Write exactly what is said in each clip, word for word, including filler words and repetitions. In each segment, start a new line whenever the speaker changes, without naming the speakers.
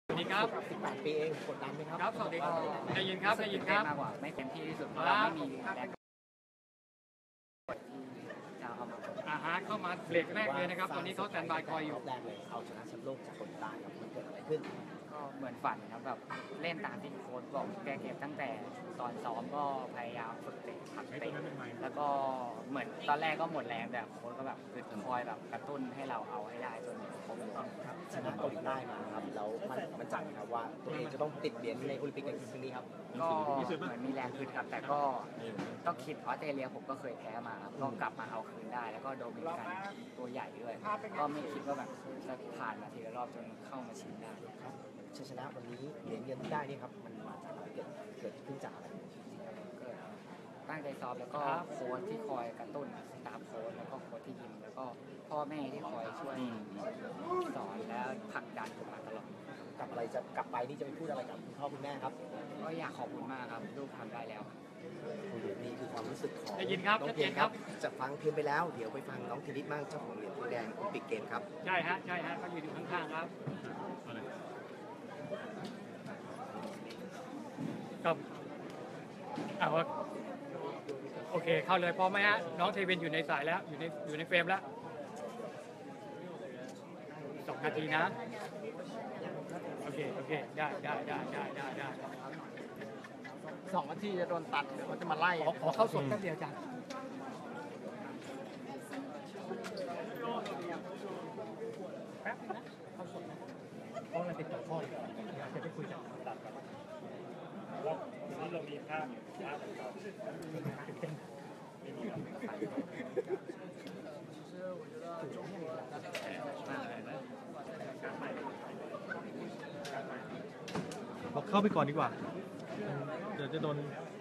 สวัสดีครับ
สิบแปดปีเองกดดันไหมครับ
ครับสวัสดีครับได้ยินครับได้ยินครับ
มากกว่าไม่เต็มที่ที่สุดเพราะเราไม่มีแรงที่จะเอามา
อาฮะเข้ามาเบรกแรกเลยนะครับตอนนี้เขาแตนบายคอยอยู่
แรกเลยเอาชนะแชมป์โลกจากคนใต้ครับมันเกิดอะไรขึ้น
ก็เหมือนฝันครับแบบเล่นตามที่โค้ชบอกแกเก็บตั้งแต่ตอนซ้อมก็พยายามฝึกเตะพักเตะแล้วก็เหมือนตอนแรกก็หมดแรงแต่โค้ชก็แบบคือคอยแบบกระตุ้นให้เราเอาให้ได้จนครบรอบ
ครับชนะเกาหลีใต้มาครับแล้วมันมันจังครับว่าตัวเองจะต้องติดเหรียญในโอลิมปิกในครั้งนี้ครับ
ก็เหมือนมีแรงขึ้นครับแต่ก็ต้องคิดออสเตรเลียผมก็เคยแพ้มาครับก็กลับมาเอาคืนได้แล้วก็โดมินิกันตัวใหญ่ด้วยก็ไม่คิดว่าแบบจะผ่านมาทีละรอบจนเข้ามาชิงได้
ครับชัยชนะวันนี้เหรียญเงินที่ได้นี่ครับมันมาจากอะไรเกิดเกิดขึ้นจากอะไร
เกิดตั้งใจซ้อมแล้วก็โค้ชที่คอยกระตุ้นสตาฟโค้ชแล้วก็โค้ชที่ยิมแล้วก็พ่อแม่ที่คอยช่วยสอนและผลักดันผมมาตลอด
กลับอะไรจะกลับไปนี่จะไปพูดอะไรกับคุณพ่อคุณแม่ครับ
ก็อยากขอบคุณมากครับลูกทำได้แล้ว
นี่คือความรู้สึกของ
ได้ยินครับ
น้องเพียงครับจะฟังเพียงไปแล้วเดี๋ยวไปฟังน้องเทนนิสบ้างเจ้าของเหรียญทองแดงโอลิมปิกเกมครับ
ใช่ฮะใช่ฮะเขาอยู่ข้างๆครับครับเอาโอเคเข้าเลยพร้อมไหมฮะน้องเทวินอยู่ในสายแล้วอยู่ในอยู่ในเฟรมแล้วสองนาทีนะโอเคโอเคได้ได้ได้ได้ได้ได้
สองนาทีจะโดนตัดเดี๋ยวเขาจะมาไล่
ขอขอเข้าสดแป๊บเดียวจ้ะแป๊บนะเข้าสดนะเพราะเราติดต่อพ่ออยู่อยากจะไปคุยกับตัดกันว่าวันนี้เรามีภาพภาพของเรา
บอกเข้าไปก่อนดีกว่าเดี๋ยวจะโดน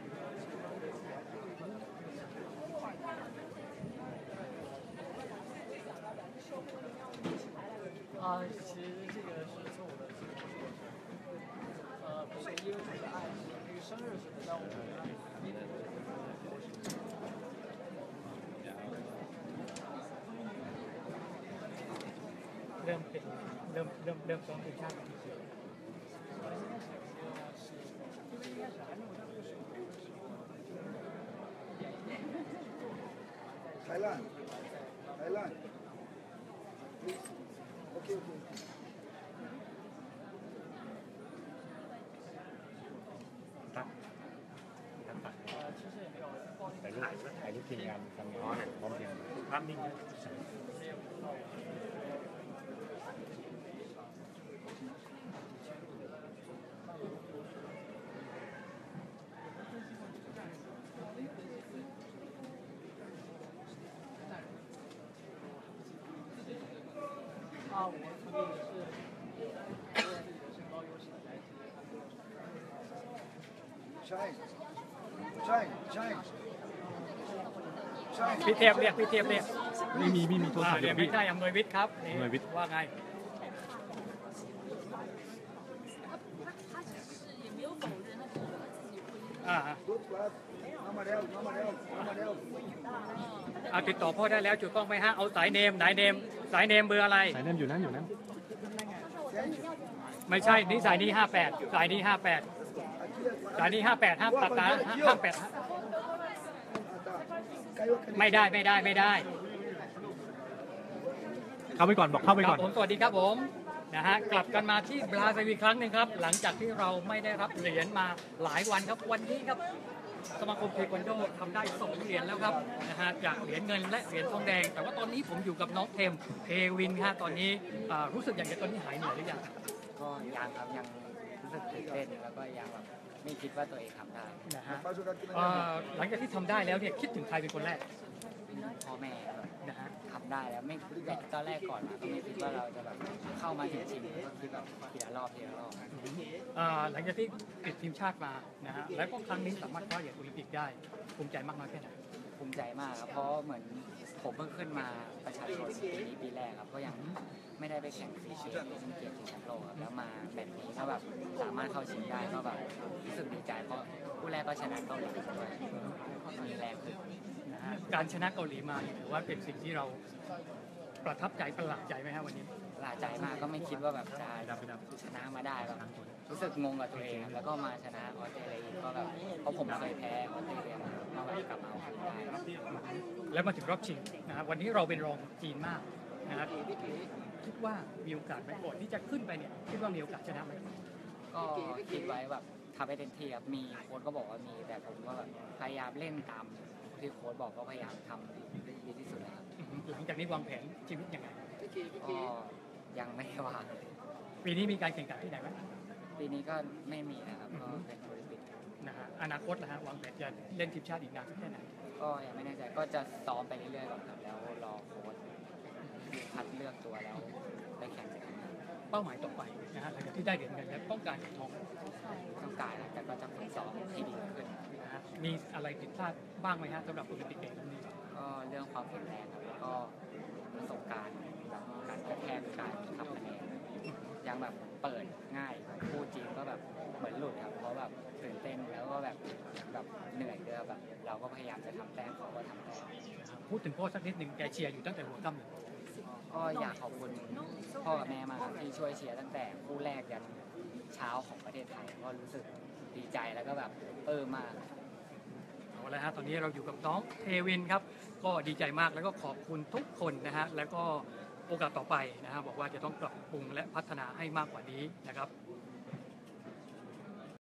啊，其实这个是错误的，呃，不是因为这个爱是这个生日什么的，我们
เริ่มเป็นเริ่มเริ่มเริ่มซ้อมทีมชาติ
ไทยแลนด์ไทยแลนด์โอเคโอเค
ตัดตัดถ่ายรูปถ่ายรูปทีมงานทำงานพร้อมเพรียงภาพนิ่งนะ
啊，我肯定是我自己的身高优势来自于。
ใช่ใช่ใช่ใช่
พี่เทพเรียกพี่เทพเรียก
ไม่มีไม่มีโทรศัพท์
เดี๋ยวไม่ใช่อำนวยวิทย์ครับนี่ว่าไงอ่า
เอามาเร็วเอามาเร็วเอามาเร็ว
เอาติดต่อพ่อได้แล้วจุดต้องไหมฮะเอาสายเนมสายเนมสายเนมเบอร์อะไร
สายเนมอยู่นั่นอยู่นั่น
ไม่ใช่นี่สายนี้ห้าแปดสายนี้ห้าแปดสายนี้ห้าแปดห้ามตัดนะห้ามแปดไม่ได้ไม่ได้ไม่ได้
เข้าไปก่อนบอกเข้าไปก่อน
ผมสวัสดีครับผมนะฮะกลับกันมาที่บราซิลอีกครั้งหนึ่งครับหลังจากที่เราไม่ได้รับเหรียญมาหลายวันครับวันนี้ครับสมาคมเทควันโดทำได้สองเหรียญแล้วครับนะฮะจากเหรียญเงินและเหรียญทองแดงแต่ว่าตอนนี้ผมอยู่กับน้องเทมเทวินครับตอนนี้รู้สึกอย่างไรตอนนี้หายเหนื่อยหรือยัง
ก็ยังครับยังรู้สึกตื่นเต้นแล้วก็ยังแบบไม่คิดว่าตัวเองทำได้
นะฮะหลังจากที่ทำได้แล้วเนี่ยคิดถึงใครเป็นคนแรก
พ่อแม่
นะฮะ
ทำได้แล้วไม่ตอนแรกก่อนมาก็ไม่คิดว่าเราจะแบบเข้ามาถึงชิงก็คิดแบบทีละรอบทีละรอบ
หลังจากที่ติดทีมชาติมานะฮะแล้วก็ครั้งนี้สามารถคว้าเหรียญโอลิมปิกได้ภูมิใจมากน้อยแค่ไหน
ภูมิใจมากครับเพราะเหมือนผมเพิ่งขึ้นมาประชาชนปีนี้ปีแรกครับก็ยังไม่ได้ไปแข่งซีเกมซึ่งเกียรติแชมป์โลกครับแล้วมาแบบนี้ก็แบบสามารถเข้าชิงได้ก็แบบรู้สึกดีใจเพราะผู้แรกก็ชนะเกาหลีด้วยมีแรงขึ้น
การชนะเกาหลีมาถือว่าเป็นสิ่งที่เราประทับใจประหลาดใจไหมฮะวันนี้
กประหลาดใจมากก็ไม่คิดว่าแบบจะชนะมาได้แบบรู้สึกงงกับตัวเองครับแล้วก็มาชนะออสเตรเลียอีกก็แบบเพราะผมเคยแพ้ออสเตรเลียมาก็แบบกลับมาเอาคืนได้
แล้วมาถึงรอบชิงนะครับวันนี้เราเป็นรองจีนมากนะครับคิดว่ามีโอกาสไหมก่อนที่จะขึ้นไปเนี่ยคิดว่ามีโอกาสชนะไหม
ก็คิดไว้แบบทำให้เต็มที่ครับมีโค้ชก็บอกว่ามีแต่ผมก็แบบพยายามเล่นตามที่โค้ชบอกก็พยายามทำดีที่สุดนะครับ
หลังจากนี้วางแผนชีวิตยังไง
ก็ยังไม่ได้วาง
ปีนี้มีการแข่งขันที่ไหนไหม
ปีนี้ก็ไม่มีนะครับก็เป็นโอลิมปิก
นะฮะอนาคตนะฮะวางแผนจะเล่นทีมชาติอีกนานสักแค่ไหน
ก็ยังไม่แน่ใจก็จะซ้อมไปเรื่อยๆก่อนครับแล้วรอโค้ชคัดเลือกตัวแล้วไปแข่งขัน
เป้าหมายต่อไปนะฮะหลังจากที่ได้เหรียญเงินแล้วต้องการเหรียญทอง
ต้องการแต่ก็จะฝึกซ้อมให้ดีขึ้น
นะฮะมีอะไรผิดพลาดบ้างไหมฮะสำหรับโอลิมปิกเกมนี้
ก็เรื่องความแข็งแรงครับแล้วก็ประสบการณ์แบบการกระแทกการทำคะแนนยังแบบเปิดง่ายพูดจริงก็แบบเหมือนหลุดครับเพราะแบบตื่นเต้นแล้วก็แบบแบบเหนื่อยด้วยแบบเราก็พยายามจะทำแต้มเขาก็ทำแต้ม
พูดถึงพ่อสักนิดหนึ่งแกเชียร์อยู่ตั้งแต่หัวค่ำเลย
ก็อยากขอบคุณพ่อกับแม่มากครับที่ช่วยเชียร์ตั้งแต่คู่แรกยันเช้าของประเทศไทยก็รู้สึกดีใจแล้วก็แบบเออมาก
เอาละฮะตอนนี้เราอยู่กับน้องเทวินครับก็ดีใจมากแล้วก็ขอบคุณทุกคนนะฮะแล้วก็โอกาสต่อไปนะฮะบอกว่าจะต้องปรับปรุงและพัฒนาให้มากกว่านี้นะครับ